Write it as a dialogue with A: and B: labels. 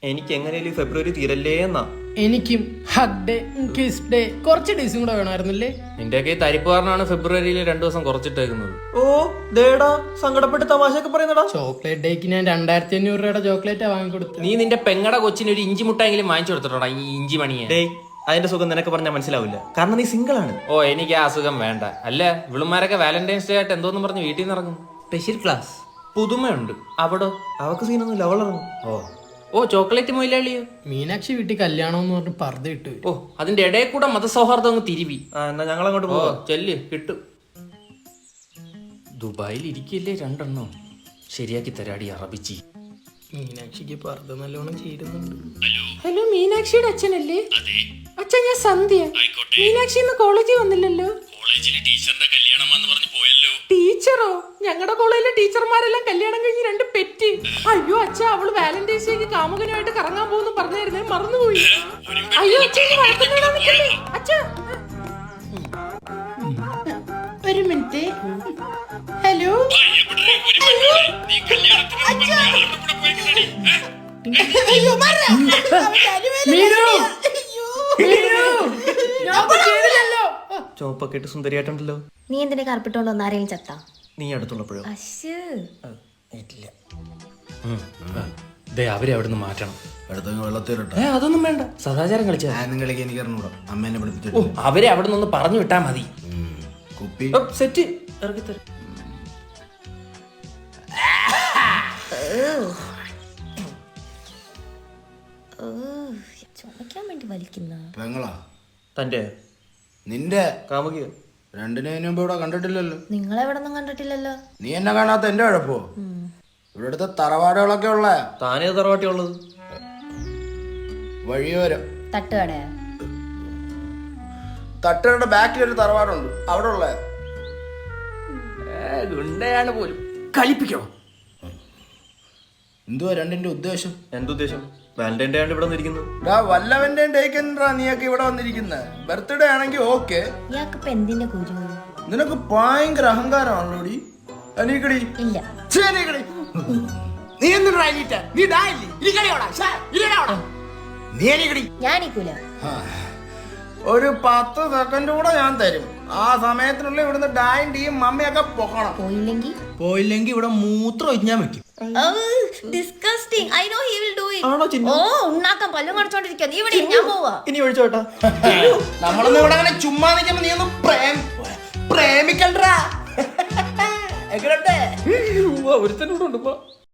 A: എനിക്ക് എങ്ങനെയാലും ഫെബ്രുവരി തീരല്ലേ എന്നാ.
B: എനിക്കും ഹഗ് ഡേ, കിസ് ഡേ, കുറച്ച് ഡേയ്സും കൂടെ വേണമായിരുന്നില്ലേ?
C: നിന്റെയൊക്കെ തരിപ്പുകാരനാണ് ഫെബ്രുവരിയിൽ 2 ദിവസം കുറച്ചിട്ടേക്കുന്നത്.
A: ഓ ദേടാ, സങ്കടപ്പെട്ട് തമാശയൊക്കെ പറയുന്നടാ.
B: ചോക്ലേറ്റ് ഡേക്ക് ഞാൻ 2500 രൂപയുടെ ചോക്ലേറ്റാ വാങ്ങിക്കൊടുത്തു.
C: നീ നിന്റെ പെങ്ങടെ കൊച്ചിന് ഒരു ഇഞ്ചി മുട്ടായെങ്കിലും വാങ്ങിച്ചു കൊടുത്തിട്ടോടാ, ഈ ഇഞ്ചി മണിയെ.
A: ഡേയ്, അതിന്റെ സുഖം നിനക്ക് പറഞ്ഞാൽ മനസ്സിലാവില്ല, കാരണം നീ സിംഗിൾ ആണ്.
C: ഓ, എനിക്ക് ആ അസുഖം വേണ്ട. അല്ല, ഇവിളുമാരൊക്കെ വാലന്റൈൻസ് ഡേ ആയിട്ട് എന്തോന്ന് പറഞ്ഞ് വീട്ടിൽ നിന്ന് ഇറങ്ങും. സ്പെഷ്യൽ ക്ലാസ് പുതുമയുണ്ട്. അവിടോ
A: അവക്ക് സീനൊന്നുമില്ല, അവളിറങ്ങും.
C: ഓ ചോക്ലേറ്റ് മൊയിലാളിയോ?
B: മീനാക്ഷി വീട്ടിൽ കല്യാണം എന്ന് പറഞ്ഞ് പർദ്ദ ഇട്ടു.
C: ഓ, അതിന്റെ ഇടയിൽ കൂടെ മതസൗഹാർദ്ദം അങ്ങ് തിരുവി.
A: എന്നാ ഞങ്ങൾ അങ്ങോട്ട്
C: ഓ
A: പോവാ.
C: ചെല്ല്, കിട്ടും. ദുബായിൽ ഇരിക്കില്ലേ 2 എണ്ണം. ശരിയാക്കി തരാടി അറബിച്ചി.
B: മീനാക്ഷിക്ക് പർദ്ദ നല്ലോണം ചേരുന്നുണ്ട്.
D: ഹലോ, മീനാക്ഷിയുടെ അച്ഛനല്ലേ? അച്ഛൻ, ഞാൻ സന്ധ്യ. മീനാക്ഷി ഇന്ന് കോളേജിൽ വന്നില്ലല്ലോ. ടീച്ചറോ? ഞങ്ങളുടെ കോളേജിലെ ടീച്ചർമാരെല്ലാം കല്യാണം കഴിഞ്ഞ് 2 പെറ്റ്. അയ്യോ അച്ഛ, അവള് വാലന്റൈൻസ് ഡേക്ക് കാമുകനുമായിട്ട് കറങ്ങാൻ പോകുന്നു പറഞ്ഞായിരുന്നേ, മറന്നുപോയി. അയ്യോ അച്ഛ, അച്ഛ ഒരു മിനിറ്റ്. ഹലോ,
A: ചോപ്പൊക്കെ ഇട്ട് സുന്ദരിയായിട്ടുണ്ടല്ലോ.
E: നീ എന്തിനാ കറുപ്പിട്ടോണ്ട് വന്ന ആരെയും ചത്താ?
A: നീ അടുത്തുള്ളപ്പോഴോ? ഇല്ല.
C: അവരെ അവിടെ നിന്ന് മാറ്റണം.
F: വെള്ളത്തിരട്ടെ.
C: അതൊന്നും വേണ്ട, സദാചാരം കളിച്ചാ.
F: കളിക്കാൻ എനിക്ക് അറിഞ്ഞൂടാ, അമ്മേനെ
C: ഓ,
F: പഠിപ്പിച്ചിട്ട്.
C: അവരെ അവിടെ നിന്ന് പറഞ്ഞു വിട്ടാ മതി.
F: കുപ്പി
C: സെറ്റ് ഇറക്കിത്തരാം.
E: ചുമക്കാൻ വേണ്ടി വലിക്കുന്ന
F: പെങ്ങളാ
A: തന്റെ
F: നിന്റെ
A: കാമുകിയോ?
F: 2 മുമ്പ് ഇവിടെ കണ്ടിട്ടില്ലല്ലോ.
E: നിങ്ങളെവിടെ ഒന്നും കണ്ടിട്ടില്ലല്ലോ.
F: നീ എന്നെ കാണാത്ത എന്റെ കുഴപ്പോ? ഇവിടെ അടുത്ത തറവാടുകളൊക്കെ ഉള്ള
A: താനേ തറവാട്ടി ഉള്ളത്?
F: വഴിയോരം
E: തട്ടുകടയാ?
F: തട്ടുകളുടെ ബാക്കിൽ ഒരു തറവാടുണ്ട്, അവിടെ ഉള്ള.
C: ഗുണ്ടയാണ് പോലും. കളിപ്പിക്കോ?
F: എന്തുവാ രണ്ടിന്റെ ഉദ്ദേശം?
A: എന്തുദ്ദേശം? വാലന്റൈൻ ഡേ ആണ് ഇവിടെ വന്നിരിക്കുന്നത്.
F: വല്ലവന്റെ ഡേക്കെന്താ നീയൊക്കെ ഇവിടെ വന്നിരിക്കുന്നത്? ബർത്ത്ഡേ ആണെങ്കിൽ ഓക്കെ.
E: ഇയാൾക്ക് ഇപ്പൊ എന്തിന്റെ കുരു?
F: നിനക്ക് ഭയങ്കര അഹങ്കാരമാണല്ലോടി. അനീക്കടി
E: ഇല്ല.
F: നീ എന്തിനാ നീ അനീക്കടി.
E: ഞാനിക്കൂല.
F: ഒരു 10 സെക്കൻഡ് കൂടെ ഞാൻ തരും. ആ സമയത്തിനുള്ളിൽ ഇവിടുന്ന് ഡായും ടീയും മമ്മിയൊക്കെ പൊക്കണം.
E: പോയില്ലെങ്കിൽ
F: ഇവിടെ മൂത്രം ഒഴിഞ്ഞാൻ വെക്കും.
E: Disgusting. I know he will do it.
A: ആണോ ചിന്നു?
E: ഓ, ഉണ്ണാക്കാൻ പല്ലും കടിച്ചോണ്ടിരിക്കുക. നീ ഇവിടെ ഞാൻ പോവാ.
A: ഇനി ഒഴിച്ചോട്ടാ.
F: നമ്മളൊന്നും ഇവിടെ അങ്ങനെ ചുമ്മാ നിൽക്കുമ്പോ നീ ഒന്ന് പ്രേമിക്കണ്ടാ.
A: ഒരുത്തനോടുണ്ട്.